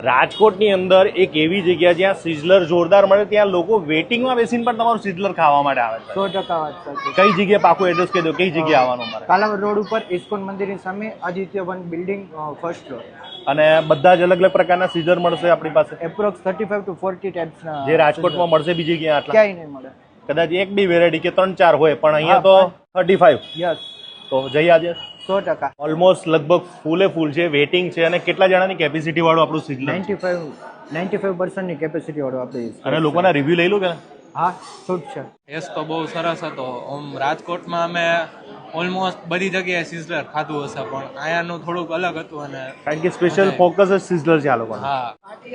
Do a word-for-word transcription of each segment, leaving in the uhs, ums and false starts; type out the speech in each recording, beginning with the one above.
રાજકોટની અંદર એક એવી જગ્યા જ્યાં સિઝલર જોરદાર મળે, ત્યાં લોકો વેટિંગમાં બેસીને પણ તમારું સિઝલર ખાવા માટે આવે છે. સો ટકા વાત સાચી. કઈ જગ્યાએ પાકું એડ્રેસ કહી દો, કઈ જગ્યાએ આવવાનું મારે? કાલાવડ રોડ ઉપર ઇસ્કોન મંદિરની સામે Aditya one building first floor. અને બધા જ અલગ અલગ પ્રકારના સિઝર મળશે આપણી પાસે, approx thirty five to forty ટાઈપ્સના. જે રાજકોટમાં મળશે બીજી ક્યાં આટલા ક્યાંય નહીં મળે. કદાચ એક બી વેરાયટી કે ત્રણ ચાર હોય, પણ અહીંયા તો થર્ટી ફાઈવ. યસ, તો જઈ આજે સો ટકા. ઓલમોસ્ટ લગભગ ફૂલે ફૂલ છે, વેટિંગ છે. અને કેટલા જણાની કેપેસિટી વાળું આપણું sizzler? Ninety five ninety five પર્સન્ટની કેપેસિટી વાળું આપણે. અને લોકોના રિવ્યુ લઈ લો કે હા, શૂટ છે. ટેસ્ટ તો બહુ સરસ હતો. આમ રાજકોટમાં અમે ઓલમોસ્ટ બધી જગ્યાએ સિઝલર ખાધું હશે, પણ અહીંયાનું થોડુંક અલગ હતું. અને કારણ કે સ્પેશિયલ ફોકસ જ સિઝલર છે આ લોકોને, હા,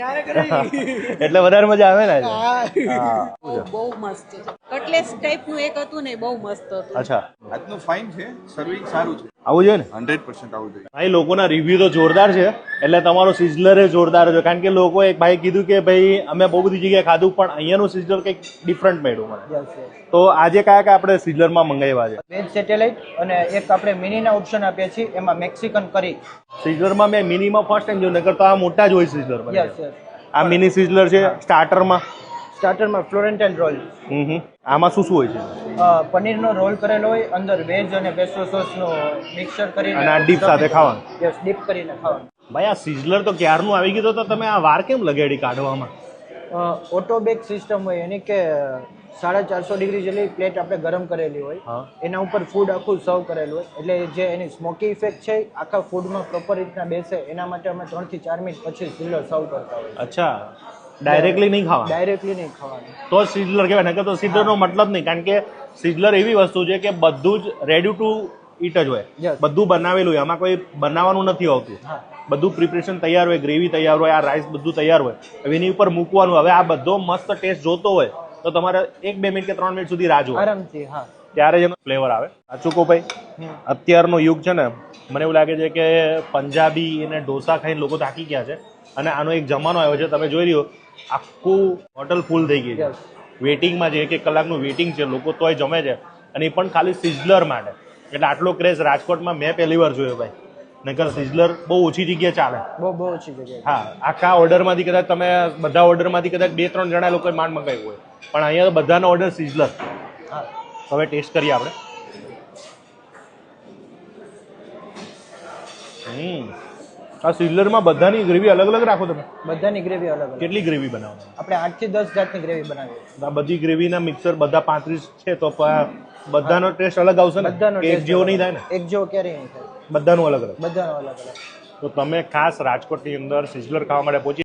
એટલે વધારે મજા આવે ને. હા, બહુ મસ્ત છે. કટલેસ ટાઈપનું એક હતું ને, બહુ મસ્ત હતું. અચ્છા, આજનું ફાઇન છે, સર્વિંગ સારું છે, આવું જોઈએ ને. હંડ્રેડ પર્સન્ટ આવું જોઈએ. ભાઈ લોકોના રિવ્યુ તો જોરદાર છે, એટલે તમારો સિઝલર એ જોરદાર છે. કારણ કે લોકો એક ભાઈ કીધું કે ભાઈ અમે બહુ બધી જગ્યાએ ખાધું, પણ અહીંયાનું સિઝલર કંઈક ડિફરન્ટ મળ્યું મને. Yes yes. તો આજે કયા કયા આપણે સિઝલરમાં મંગાવ્યા છે? વેજ સેટેલાઇટ અને એક આપણે મિનીના ઓપ્શન આપ્યા છીએ, એમાં મેક્સિકન કરી. સિઝલરમાં મેં મિનિમાં ફર્સ્ટ ટાઈમ જોયું, નકર તો આ મોટા જ હોય સિઝલર. Yes yes. આ મિની સિઝલર છે. સ્ટાર્ટરમાં સ્ટાર્ટરમાં ફ્લોરેન્ટાઇન રોલ. હમ હમ આમાં શું શું હોય છે? અ, પનીરનો રોલ કરેલો હોય, અંદર વેજ અને પેસ્ટો સોસનો મિક્સર કરીને. અને આ ડીપ સાથે ખાવાનું? યસ, ડીપ કરીને ખાવાનું. ભાઈ આ સિઝલર તો ક્યારનું આવી ગયું, તો તમે આ વાર કેમ લગાડી કાઢવામાં? ઓટો બેક સિસ્ટમ હોય એની, કે સાડા ચારસો ડિગ્રી જેટલી પ્લેટ આપણે ગરમ કરેલી હોય, હા. એના ઉપર ફૂડ આખું સર્વ કરેલું હોય, એટલે જે એની સ્મોકી ઇફેક્ટ છે આખા ફૂડમાં પ્રોપર રીતના બેસે, એના માટે અમે ત્રણ થી ચાર મિનિટ પછી સિઝલર સર્વ કરતા હોય. અચ્છા, ડાયરેક્ટલી નહીં ખાવા? ડાયરેક્ટલી નહીં ખાવાનું. તો જ સિઝલર કહેવાય, નકર તો સિઝલરનો મતલબ નહીં. કારણ કે સિઝલર એવી વસ્તુ છે કે બધું જ રેડી ટુ ઈટ જ હોય, Yes. બધું બનાવેલું હોય, આમાં કોઈ બનાવવાનું નથી આવતું. હા. બધું પ્રિપરેશન તૈયાર હોય, ગ્રેવી તૈયાર હોય, આ રાઈસ બધું તૈયાર હોય, હવે એની ઉપર મૂકવાનું. હવે આ બધો મસ્ત ટેસ્ટ જોતો હોય તો તમારે એક બે મિનિટ કે ત્રણ મિનિટ સુધી રાહ જોવા, આરામથી. હા. ત્યારે જ એનો ફ્લેવર આવે. સાચું કહું ભાઈ, હમ. અત્યારનો યુગ છે ને, મને એવું લાગે છે કે પંજાબી અને ઢોસા ખાઈને લોકો થાકી ગયા છે, અને આનો એક જમાનો આવ્યો છે. તમે જોઈ રહ્યો, આખું હોટલ ફૂલ થઈ ગઈ છે. Yes. વેટિંગમાં છે, એક એક કલાકનું વેટિંગ છે, લોકો તોય જમે છે, અને એ પણ ખાલી સિઝલર માટે. એટલે આટલો ક્રેઝ રાજકોટમાં મેં પહેલી વાર જોયો ભાઈ, નકર સિઝલર બહુ ઓછી જગ્યાએ ચાલે. બહુ બહુ ઓછી જગ્યાએ. હા, આખા ઓર્ડરમાંથી કદાચ તમે બધા ઓર્ડરમાંથી કદાચ બે ત્રણ જણા લોકોએ માંડ મંગાવ્યું હોય, પણ અહીંયા તો બધાનો ઓર્ડર સિઝલર. હા. હવે ટેસ્ટ કરીએ આપણે. હમ આ સિઝલરમાં બધાની ગ્રેવી અલગ અલગ રાખો તમે? બધાની ગ્રેવી અલગ અલગ. કેટલી ગ્રેવી બનાવો? આપણે આઠ થી દસ જાતની ગ્રેવી બનાવીએ. આ બધી ગ્રેવીના મિક્સર બધા પાંત્રીસ છે, તો પ- બધાનો ટેસ્ટ અલગ આવશે ને? બધાનો કે એક taste જેવો અલગ. નહીં થાય ને? એક જેવો ક્યારેય નહીં થાય. બધાનું અલગ અલગ. બધાનો અલગ અલગ. તો તમે ખાસ રાજકોટની અંદર સિઝલર ખાવા માટે પહોંચી